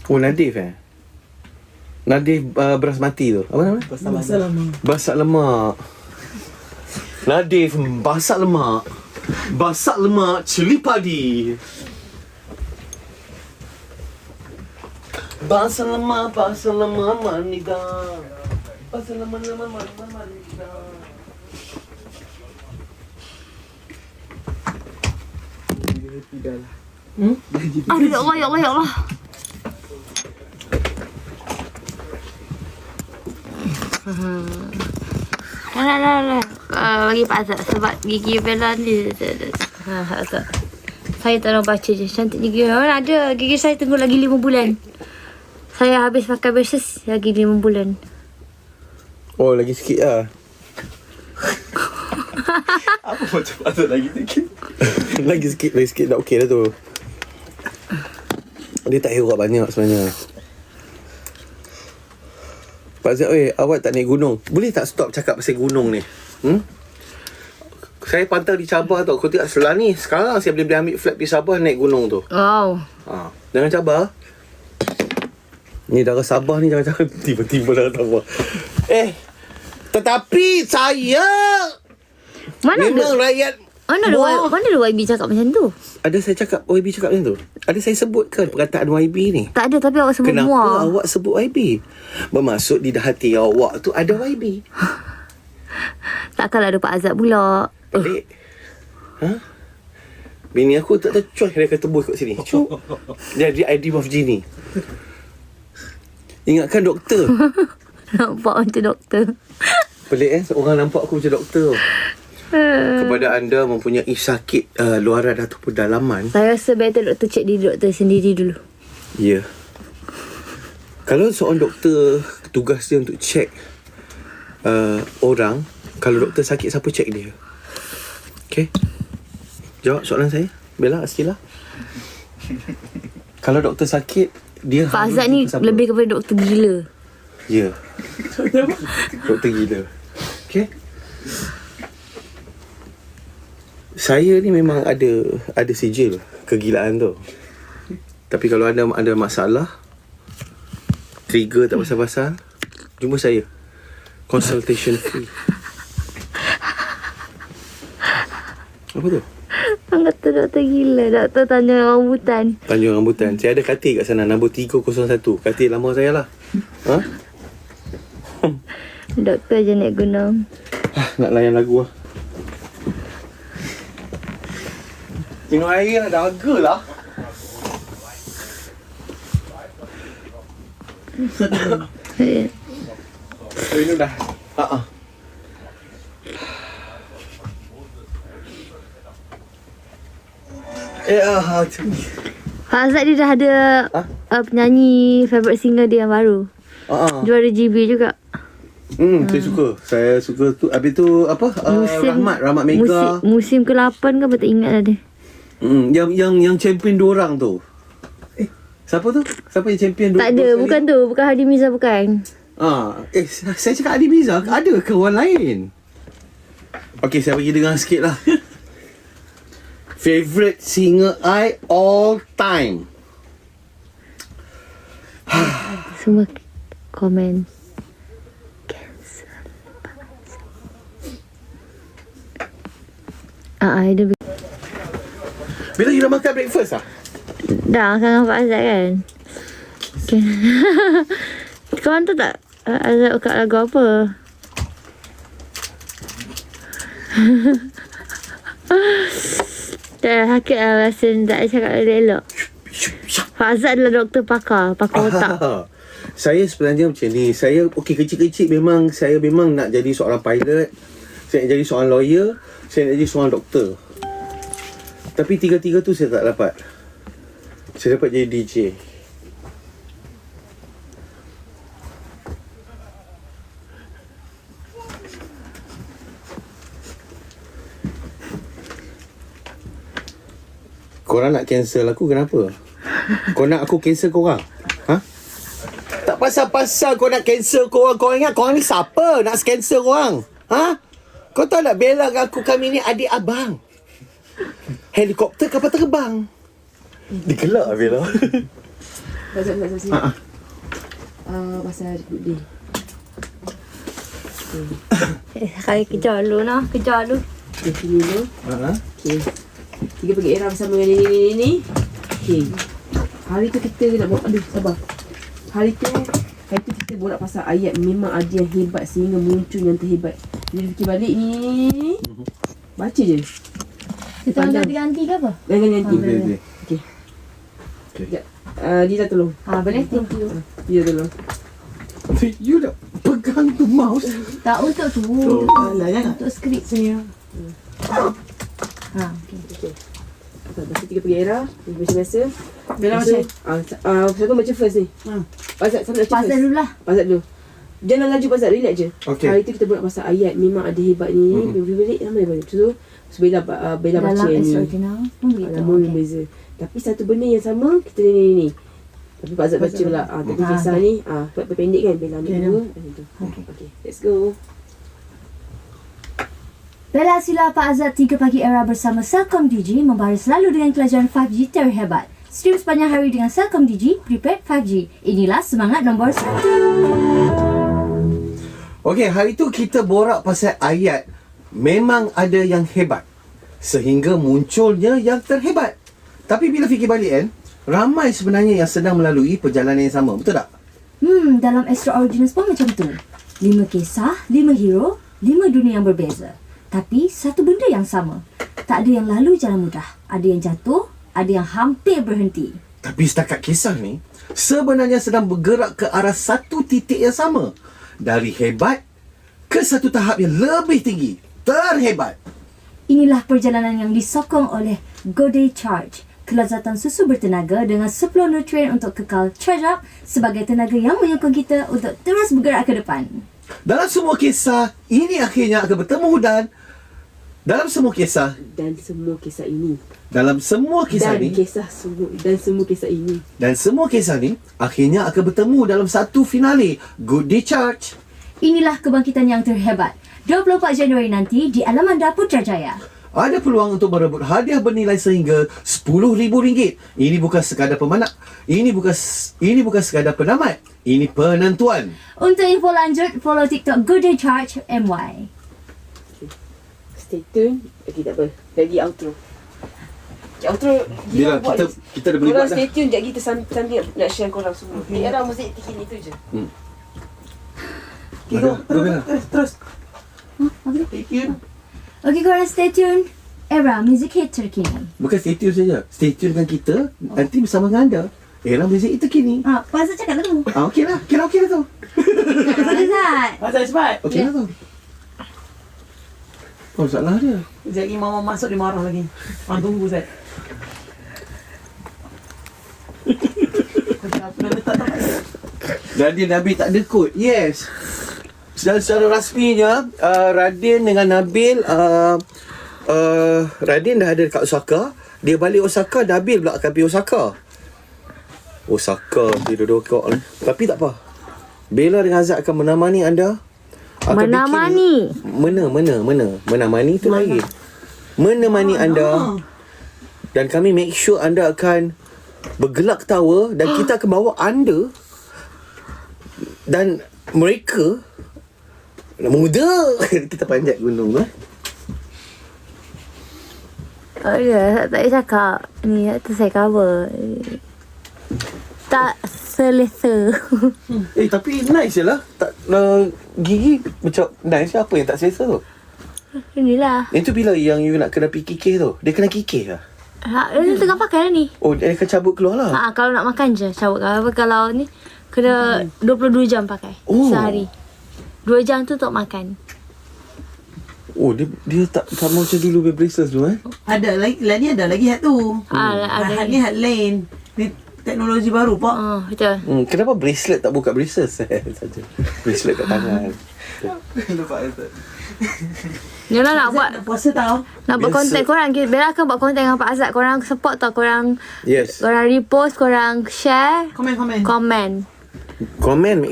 Oh, Nadif Nadif beras mati tu. Apa nama? Basak lemak. Nadif basak lemak. Basak lemak cili padi. Basak lemak manida. Basak lemak manida. Aduh, ya Allah, ya Allah, ya Allah. Dah. Bagi Pak Azad sebab gigi Bella ni Azad. Saya tak nak baca je. Cantik gigi. Mana ada? Gigi saya tunggu lagi 5 bulan. Saya habis pakai braces lagi 5 bulan. Oh, lagi sikit lah. Apa macam Azad lagi sikit? Lagi sikit dah okey dah tu. Dia tak herat banyak sebenarnya. Pak Zat, awak tak naik gunung? Boleh tak stop cakap pasal gunung ni? Saya pantau di Sabah tau. Kau tengok setelah ni, sekarang saya boleh ambil flight pergi Sabah naik gunung tu. Wow. Jangan cabar. Ni darah Sabah ni jangan tiba-tiba darah Sabah. Tetapi saya memang rakyat. Mana ada YB cakap macam tu? Ada saya cakap YB cakap macam tu? Ada saya sebutkan perkataan YB ni? Tak ada, tapi awak sebut Kenapa muar. awak sebut YB? Bermaksud di hati awak tu ada YB. Takkanlah ada Pak Azad pula. Pelik. Bini aku tak tercuai dia kata tebus kat sini. Cuk. Dia ada ID of Genie. Ingatkan doktor. Nampak macam doktor. Pelik orang nampak aku macam doktor. Kepada anda mempunyai sakit luaran ataupun dalaman, Saya rasa better doktor cek diri doktor sendiri dulu. ya. Kalau seorang doktor tugas dia untuk cek orang, kalau doktor sakit siapa cek dia? Okay. Jawab soalan saya. Bella, Askila. Kalau doktor sakit, dia Pak harus Azad ni jumpa siapa? lebih kepada doktor gila. Ya. Doktor gila. Okay. Saya ni memang ada sijil kegilaan tu. Tapi kalau ada masalah, trigger tak pasal-pasal, jumpa saya. Consultation free. Apa tu? Orang kata doktor gila. Doktor tanya rambutan. Tanjung Rambutan. Saya ada katil kat sana, nombor 301. Katil lama saya lah. Doktor je naik gunung. Nak layan lagu lah. Minum air lah, dahaga lah. Minum dah. Macam ni. Pak Azad dia dah ada penyanyi favourite singer dia yang baru. Juara GB juga. Saya suka tu. Habis tu apa? Rahmat Mega. Musim ke-8 ke apa tak ingat dah dia. Yang champion 2 orang tu. Siapa tu? Siapa yang champion 2? Tak ada, bukan tu. Bukan Hadi Mirza, bukan. Saya cakap Hadi Mirza. Ada ke orang lain? Okay, saya bagi dengar sikit lah. Favorite singer I all time. Semua komen. Dia Bila you dah makan breakfast lah? dah dengan Pak Azad kan. Okay. Kawan tu tak Azad buka lagu apa? Dah sakit lah rasa tak cakap elok. Pak Azad adalah doktor pakar otak. Saya sebenarnya macam ni. Saya kecil-kecil saya memang nak jadi seorang pilot. Saya nak jadi seorang lawyer. Saya nak jadi seorang doktor. Tapi tiga-tiga tu saya tak dapat. Saya dapat jadi DJ. Korang nak cancel aku kenapa? Kau nak aku cancel korang? Tak pasal-pasal kau nak cancel korang. Kau ingat korang ni siapa nak cancel korang? Kau tahu tak Bella dengan aku, kami ni adik abang. Helikopter kapal terbang. Digelak Bella. Pasal pasal good day. Sekali kejar dulu nah. Kejar dulu. Okay, sini dulu. Okay. Kita pergi era bersama dengan ni. Okay. Hari tu kita nak buat, aduh sabar. Hari tu kita borak pasal ayat memang ada yang hebat sehingga muncul yang terhebat. Jadi fikir balik ni. Baca je. Kita nak ganti ke apa? Ganti. Okay. Okay. Sekejap. Dia tolong. Boleh. Thank you. Dia tolong. You dah pegang tu mouse. Tak untuk tu. Alah, jangan. Untuk skrip punya. Okay. Lepas tu kita pergi era. Macam biasa. Bella macam. Siapa baca first ni? Pasal siapa nak baca Pasal first? dulu lah. Pasal dulu. Jangan laju pasal, relax je. Okay. Hari tu kita buat pasal ayat memang ada hebat ni. Berbalik nama dia baca. So Bella baca Dalam yang ni. extraordinary. Nama yang beza. Tapi satu benda yang sama kita ni. Tapi Pak Azad baca pula. Tapi kisah ni pendek kan. Bella ambil dua. Okay, let's go. Bella Sila Pak Azad 3 Pagi Era bersama Celcom Digi membaris selalu dengan kelajuan 5G terhebat. Stream sepanjang hari dengan Celcom Digi Prepaid 5G. Inilah semangat nombor 1. Okey, hari tu kita borak pasal ayat memang ada yang hebat sehingga munculnya yang terhebat. Tapi bila fikir balik kan, ramai sebenarnya yang sedang melalui perjalanan yang sama. Betul tak? Dalam Extraordinary pun macam tu. 5 kisah, 5 hero, 5 dunia yang berbeza. Tapi satu benda yang sama. Tak ada yang lalu jalan mudah. Ada yang jatuh, ada yang hampir berhenti. Tapi setakat kisah ni sebenarnya sedang bergerak ke arah satu titik yang sama. Dari hebat ke satu tahap yang lebih tinggi. Terhebat. Inilah perjalanan yang disokong oleh Goday Charge. Kelazatan susu bertenaga dengan 10 nutrien untuk kekal charge up sebagai tenaga yang menyokong kita untuk terus bergerak ke depan. Dalam semua kisah, ini akhirnya akan bertemu dan dalam semua kisah ini. Dalam semua kisah ni Dan semua kisah ini. Dan semua kisah ni akhirnya akan bertemu dalam satu finale Good Day Charge. Inilah kebangkitan yang terhebat. 24 Januari nanti di Alamanda Putrajaya. Ada peluang untuk merebut hadiah bernilai sehingga RM10,000. Ini bukan sekadar pemenang. Ini bukan sekadar penamat. Ini penentuan. Untuk info lanjut, follow TikTok Good Day Charge MY. Stay tune. Okay, tak apa. Lagi outro. Outro Bila kita dah boleh korang buat dah. stay tune. Sekejap kita sambil nak share korang semua. Ni era muzik terkini tu je. Okay, go. Terus. Stay tune. Okey, korang stay tune. Era Music Hit terkini. Bukan stay tune saja. Stay tune dengan kita. Nanti bersama dengan anda. Era muzik terkini. Pasal cakap lah tu. Okey lah. Kira okey lah tu. Azad. Pasal cepat. Okey lah tu. Oh, salah dia. Sekejap lagi mama masuk dia marah lagi. Tunggu Zat. Apa dah letak tak? Radin Nabil tak ada kod. Yes. Secara rasminya Radin dengan Nabil Radin dah ada dekat Osaka. Dia balik Osaka, Nabil pula akan pergi Osaka. Dia duduk kok ni. Tapi tak apa. Bella dengan Azad akan menemani anda. Menemani. Menemani tu lain. Menemani anda. Dan kami make sure anda akan bergelak ketawa dan kita akan bawa anda dan mereka muda. Kita panjat gunung Oh ya, tak payah cakap. Ni tu saya cover. Tak selesa. tapi nice je lah. Tak, gigi macam nice je. Apa yang tak selesa tu? Inilah. Itu bila yang you nak kena pergi kikih tu? Dia kena kikih lah. Dia tengah pakai lah ni. Oh, dia akan cabut keluar lah. Kalau nak makan je cabut. Kalau ni kena 22 jam pakai sehari. 2 jam tu untuk makan. Oh, dia tak sama macam dulu punya braces tu Ada lagi ada lagi hat tu. Ada Hat ni hat lain. Ni teknologi baru pak. Betul. Kenapa bracelet tak buka braces saja? Bracelet kat tangan. Lupa Zat. Yalah nak buat Puasa tau. nak buat konten korang. Bella akan buat konten dengan Pak Azad. Korang support tau. Korang Yes. repost, korang share, Komen. komen. Komen